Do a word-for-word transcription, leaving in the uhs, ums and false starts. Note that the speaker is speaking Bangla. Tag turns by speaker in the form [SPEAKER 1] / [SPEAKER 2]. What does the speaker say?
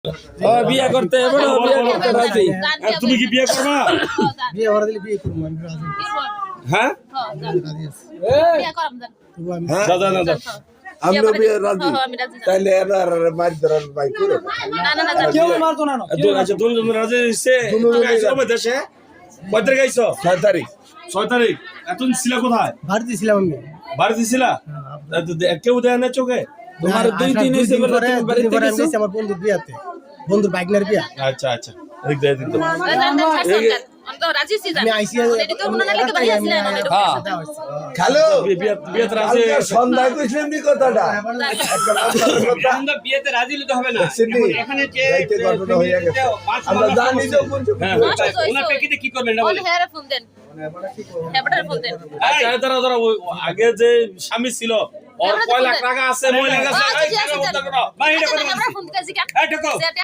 [SPEAKER 1] ও বিয়ে করতে এবারে বিয়ে করতে রাজি।
[SPEAKER 2] তুমি কি বিয়ে করবা?
[SPEAKER 3] বিয়ে করে দিলে বিয়ে করবো আমি রাজি
[SPEAKER 2] হ্যাঁ
[SPEAKER 3] রাজি আছি
[SPEAKER 4] বিয়ে করাম দেন
[SPEAKER 3] তবু আমি
[SPEAKER 2] দাদা না দাদা
[SPEAKER 5] আমরা বিয়ে রাজি
[SPEAKER 4] আমি রাজি না।
[SPEAKER 5] তাইলে এরা মার ধরার ভাই করে
[SPEAKER 4] না না না
[SPEAKER 3] কেউ মারতো না
[SPEAKER 2] আচ্ছা তুমি তুমি রাজি হইছে তুমি আইছো কবে দেশে? কয় তারিখ আইছো?
[SPEAKER 5] ছয় তারিখ
[SPEAKER 2] ছয় তারিখ। এতদিন ছিলা কোথায়?
[SPEAKER 3] বাড়িতে ছিলাম আমি
[SPEAKER 2] বাড়িতে ছিলা? কেউ দেয় না চোখে?
[SPEAKER 1] তোমার দুই দিন হইছে বলে তুমি বাড়িতে
[SPEAKER 3] পরে আমি
[SPEAKER 1] গেছো?
[SPEAKER 3] গেছি আমার বন্ধুর বিয়াতে বন্ধুর বাইকনার বিয়া
[SPEAKER 2] আচ্ছা আচ্ছা এদিক দিয়ে এদিক দিয়ে।
[SPEAKER 4] আমি তো রাজি ছি
[SPEAKER 3] আমি আইসি
[SPEAKER 4] এটি তো মনে লাগে বাড়ি আসলে না এটা
[SPEAKER 1] হ্যাঁ
[SPEAKER 5] হ্যালো
[SPEAKER 2] বিয়ে বিয়ে বিয়েতে রাজি হয়ে গেছে।
[SPEAKER 5] সন্ধ্যায় কইছিলাম নি কথাটা
[SPEAKER 6] আমরা বিয়েতে রাজি হতে হবে না
[SPEAKER 5] সিদ্ধি
[SPEAKER 6] এখানে যে
[SPEAKER 5] রাইতে ঘটনা হয়ে গেছে আমরা জানি যে কোন
[SPEAKER 2] হ্যাঁ
[SPEAKER 6] ওনার প্রেক্ষিতে কি করবেন না
[SPEAKER 4] ওই
[SPEAKER 6] বলেন
[SPEAKER 4] হেয়ারে ফোন দেন হেয়ারে ফোন দেন
[SPEAKER 2] আচ্ছা দাঁড়া দাঁড়া ওই আগে যে স্বামী ছিল ওর কয় লাখ টাকা আছে মহিলা কাছে
[SPEAKER 4] আচ্ছা,
[SPEAKER 2] এই
[SPEAKER 4] ঠিক আছে,
[SPEAKER 2] টাকা
[SPEAKER 4] দেন।
[SPEAKER 2] উদ্ধার করো।
[SPEAKER 6] ভাই এটা
[SPEAKER 4] আচ্ছা
[SPEAKER 6] কথা
[SPEAKER 4] আমরা ফোন দিতেছি কেন
[SPEAKER 6] এই টাকা